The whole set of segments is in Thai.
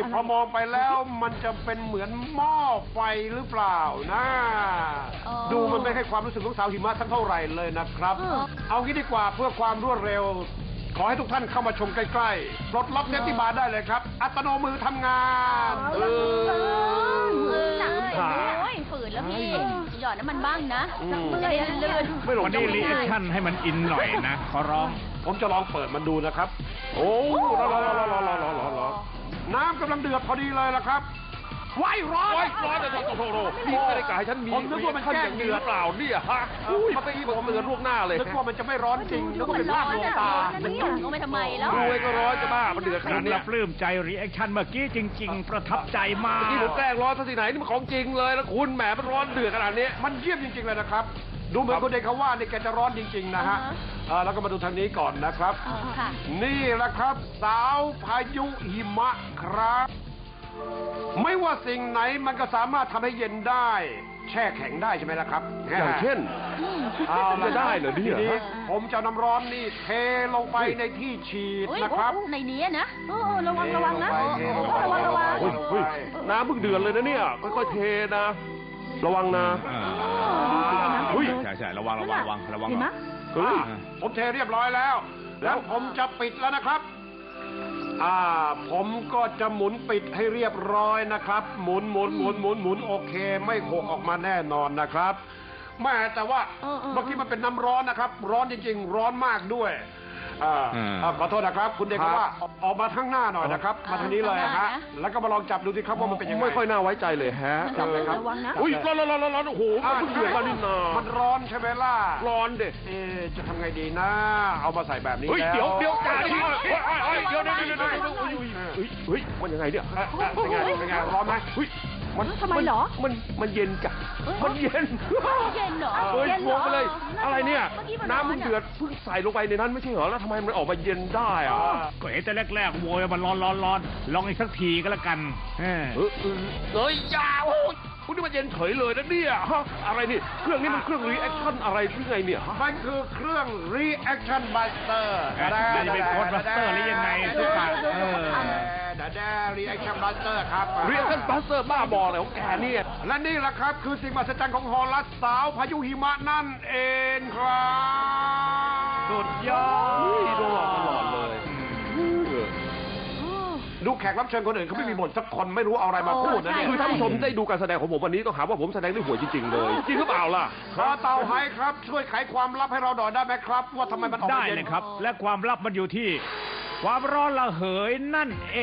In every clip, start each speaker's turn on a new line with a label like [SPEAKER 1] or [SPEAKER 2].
[SPEAKER 1] พอมองไปแล้วมันจะเป็นเหมือนหม้อไฟหรือเปล่านะ ดูมันไม่ให้ความรู้สึกของสาวหิมะสักเท่าไหร่เลยนะครับ เอางี้ดีกว่าเพื่อความรวดเร็ว ขอให้ทุกท่านเข้ามาชมใกล้ๆปลดล็อกเซฟตี้บาร์ได้เลยครับ อัตโนมือทำงาน
[SPEAKER 2] หนักเลยโอ้ยฝืนแล้วพี่หยอดน้ำมันบ้างนะเมื่อยลื่น
[SPEAKER 1] ไม่หลง
[SPEAKER 3] วันนี้รีแอคชั่นให้มันอินหน่อยนะขอร้อง
[SPEAKER 1] ผมจะลองเปิดมันดูนะครับ โอ้รอน้ำกำลังเดือดพอดีเลยละครับไว้ร้อน
[SPEAKER 4] ร้อนเลยโถนี่ไม่ได้กะให้ฉันมี
[SPEAKER 1] ผมนึกว่ามันแกล้ง
[SPEAKER 4] เดือดเปล่าเนี่ยฮะมันไม่ผมเตือนล่วงหน้าเลย
[SPEAKER 1] นึกว่ามันจะไม่ร้อนจริงนึกว่าเป็นลาบลวงตา
[SPEAKER 2] มันหยอดลงไปทำไมแล้ว
[SPEAKER 4] รวยก็ร้อนจะบ้ามันเดือดข
[SPEAKER 3] ฉั
[SPEAKER 4] นาด
[SPEAKER 3] น
[SPEAKER 4] นี้
[SPEAKER 3] ละปลื้มใจรีแอคชั่นเมื่อกี้จริง ๆ ประทับใจมาก
[SPEAKER 4] เมื่อกี้ผมแกล้งร้อนซะที่ไหนนี่มันของจริงเลยแล้วคุณแหมมันร้อนเดือดขนาดนี้
[SPEAKER 1] มันเยี่ยมจริงๆเลยนะครับ ดูเหมือนคนเด็กเขาว่านี่แกจะร้อนจริงๆนะฮะแล้วก็มาดูทางนี้ก่อนนะครับ
[SPEAKER 2] ค่ะ
[SPEAKER 1] นี่แหละครับ สาวพายุหิมะครับ ไม่ว่าสิ่งไหนมันก็สามารถทำให้เย็นได้ แช่แข็งได้ใช่ไหมล่ะครับ
[SPEAKER 4] อย่างเช่น
[SPEAKER 1] เอาละ
[SPEAKER 4] จะได้เหรอเนี่ย
[SPEAKER 1] ทีนี้ผมจะเอาน้ำร้อนนี่เทลงไปในที่ฉีดนะครับ
[SPEAKER 2] ในนี้นะระวังนะ
[SPEAKER 1] เทลงไป
[SPEAKER 2] ระวัง
[SPEAKER 4] เฮ้ยน้ำเพิ่งเดือดเลยนะเนี่ยค่อยๆเทนะ ระวังนะ
[SPEAKER 3] ใช่ระวัง
[SPEAKER 2] เห็นไหม
[SPEAKER 4] เฮ้ย
[SPEAKER 1] ผมเทเรียบร้อยแล้ว แล้วผมจะปิดแล้วนะครับ ผมก็จะหมุนปิดให้เรียบร้อยนะครับ หมุนโอเค ไม่หกออกมาแน่นอนนะครับแม่แต่ว่าเมื่อกี้มันเป็นน้ำร้อนนะครับ ร้อนจริงๆ ร้อนมากด้วยขอโทษนะครับ คุณเด็กว่าออกมาข้างหน้าหน่อยนะครับ มาทางนี้เลยฮะแล้วก็มาลองจับดูสิครับว่ามันเป็นยังไง
[SPEAKER 4] ไม่ค่อยน่าไว้ใจเลยฮะ
[SPEAKER 1] จับเลยครับ
[SPEAKER 2] ระวังนะ
[SPEAKER 4] อุ้ยร้อนโอ้โหมันเพิ่งเดือดมานี่นา
[SPEAKER 1] มันร้อนใช่ไหมล่ะ
[SPEAKER 4] ร้อนเด็
[SPEAKER 1] จะทำไงดีนะ เอามาใส่แบบนี้
[SPEAKER 4] เฮ้ย
[SPEAKER 1] แล้ว
[SPEAKER 4] เดี๋ยวจ่าดิเดี๋ยวเฮ้ยมันยังไงเนี่ย
[SPEAKER 1] เป็นไงร้อนไหม
[SPEAKER 2] ทำไมเหรอ
[SPEAKER 4] มันเย็นจ้ะมันเย็น
[SPEAKER 2] เย็นเหรอ
[SPEAKER 4] เฮ้ย
[SPEAKER 2] เย็น
[SPEAKER 4] ง
[SPEAKER 2] เหรง
[SPEAKER 4] ไปเลย อะไรเนี่ย
[SPEAKER 2] เมื่อกี้มัน
[SPEAKER 4] น้ำมันเดือดเพิ่งใส่ลงไปในนั้นไม่ใช่เหรอแล้วทำไมมันออกมาเย็นได้อะ
[SPEAKER 3] ก็เห็นแต่แรกๆโวยมันร้อนลองอีกสักทีก็แล้วกัน
[SPEAKER 4] เฮ้ยยาวคุณนี่มันเย็นเฉยเลยนะเนี่ยฮะอะไรนี่เครื่องนี้มันเครื่องรีแอคชั่นอะไรหรือไงเนี่ยฮะ
[SPEAKER 1] มันคือเครื่อง reaction buster
[SPEAKER 3] มันจะเป็นโค้ดบัสเตอร์หรือยังไงทุกท่าน
[SPEAKER 1] reaction buster ครับ
[SPEAKER 4] รีแอคชั่นบัสเตอร์บ้าบออะไรของแกเนี่ย
[SPEAKER 1] และนี่แหละครับคือสิ่งมหัศจรรย์ของฮอลลัสสาวพายุหิมะนั่นเองครับ
[SPEAKER 3] สุดยอด
[SPEAKER 4] โดนหลอกตลอดเลย
[SPEAKER 1] ดูแขกรับเชิญคนอื่นเขาไม่มีบทสักคนไม่รู้เอาอะไรมาพูดนะเนี่ย
[SPEAKER 4] คือท่านผู้ชมได้ดูการแสดงของผมวันนี้ต้องหาว่าผมแสดงได้ห่วยจริงๆเลย จริงหรือเปล่าล่ะ
[SPEAKER 1] ขอเต่าไฮครับช่วยไขความลับให้เราหน่อยได้ไหมครับ ว่าทำไมมันออก
[SPEAKER 3] ได้
[SPEAKER 1] มาเย็น
[SPEAKER 3] เลยครับ และความลับมันอยู่ที่ ความร้อนระเหยนั่นเอง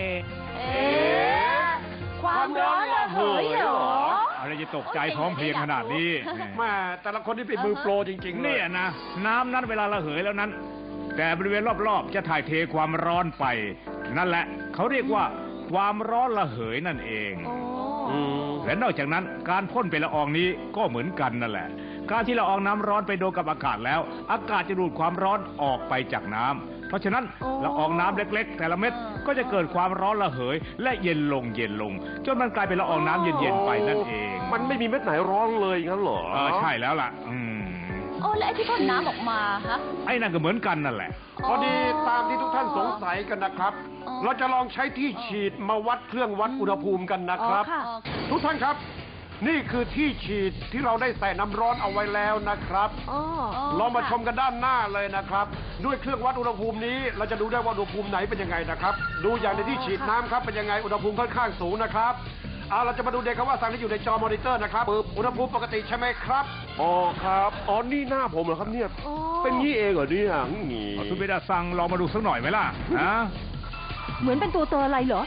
[SPEAKER 2] ความร้อนระเหยเหรอ
[SPEAKER 3] อะไรจะตกใจพร้อมเพรียงขนาดนี้
[SPEAKER 1] แม่แต่ละคนที่เป็นมือโปรจริงๆเลย
[SPEAKER 3] เนี่ยนะน้ำนั้นเวลาระเหยแล้วนั้น แต่บริเวณรอบๆจะถ่ายเทความร้อนไป นั่นแหละเขาเรียกว่าความร้อนระเหยนั่นเอง และนอกจากนั้นการพ่นเป็นละอองนี้ก็เหมือนกันนั่นแหละ การที่ละอองน้ำร้อนไปโดนกับอากาศแล้ว อากาศจะดูดความร้อนออกไปจากน้ำเพราะฉะนั้นละอองน้ำเล็กๆ แต่ละเม็ดก็จะเกิดความร้อนระเหย และเย็นลงจนมันกลายเป็นละอองน้ำเย็นๆไปนั่นเอง
[SPEAKER 4] มันไม่มีเม็ดไหนร้อนเลยงั้นเหรอ
[SPEAKER 3] ใช่แล้วล่ะ
[SPEAKER 2] แล้วไอ้ที่พ่นน้ำออกมาฮะ
[SPEAKER 3] ไอ้นั่นก็เหมือนกันนั่นแหละ
[SPEAKER 1] พอดีตามที่ทุกท่านสงสัยกันนะครับ เราจะลองใช้ที่ฉีดมาวัดเครื่องวัดอุณหภูมิกันนะครับ ทุกท่านครับ นี่คือที่ฉีดที่เราได้ใส่น้ำร้อนเอาไว้แล้วนะครับลองมาชมกันด้านหน้าเลยนะครับ ด้วยเครื่องวัดอุณหภูมินี้ เราจะดูได้ว่าอุณหภูมิไหนเป็นยังไงนะครับ ดูอย่างในที่ฉีดน้ำครับเป็นยังไงอุณหภูมิค่อนข้างสูงนะครับเราจะมาดูเด็กครับว่าสั่งที่อยู่ในจอมอนิเตอร์นะครับอุณหภูมิปกติใช่ไหมครับ
[SPEAKER 4] อ๋อครับอ๋อนี่หน้าผมเหรอครับเนี่ยเป็นงี้เองเหรอเนี่ยงี้
[SPEAKER 3] คุณเบดาซังลองมาดูสักหน่อยไหมล่ะฮะ
[SPEAKER 2] เหมือนเป็นตัวอะไรเหรอ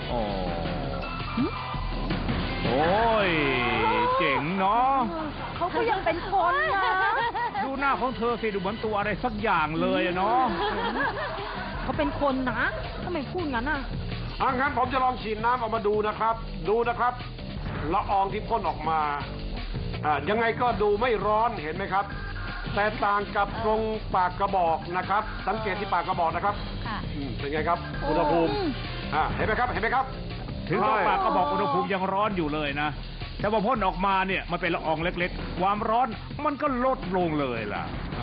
[SPEAKER 3] โอ้ยเจ๋งเนาะ
[SPEAKER 2] เขาก็ยังเป็นคนนะ
[SPEAKER 3] ดูหน้าของเธอสิดูเหมือนตัวอะไรสักอย่างเลยเนาะ
[SPEAKER 2] เขาเป็นคนนะทำไมพูดงั้นอ่ะ
[SPEAKER 1] งั้นผมจะลองฉีดน้ำออกมาดูนะครับ ดูนะครับละอองที่พ่นออกมายังไงก็ดูไม่ร้อนเห็นไหมครับ แต่ต่างกับตรงปากกระบอกนะครับ สังเกตที่ปากกระบอกนะครับเป็นไงครับอุณหภูมิเห็นไหมครับ
[SPEAKER 3] ถึงว่าปากก็บอกอุณหภูมิยังร้อนอยู่เลยนะแต่พอพ่นออกมาเนี่ยมันเป็นละอองเล็กๆ ความร้อนมันก็ลดลงเลยล่ะ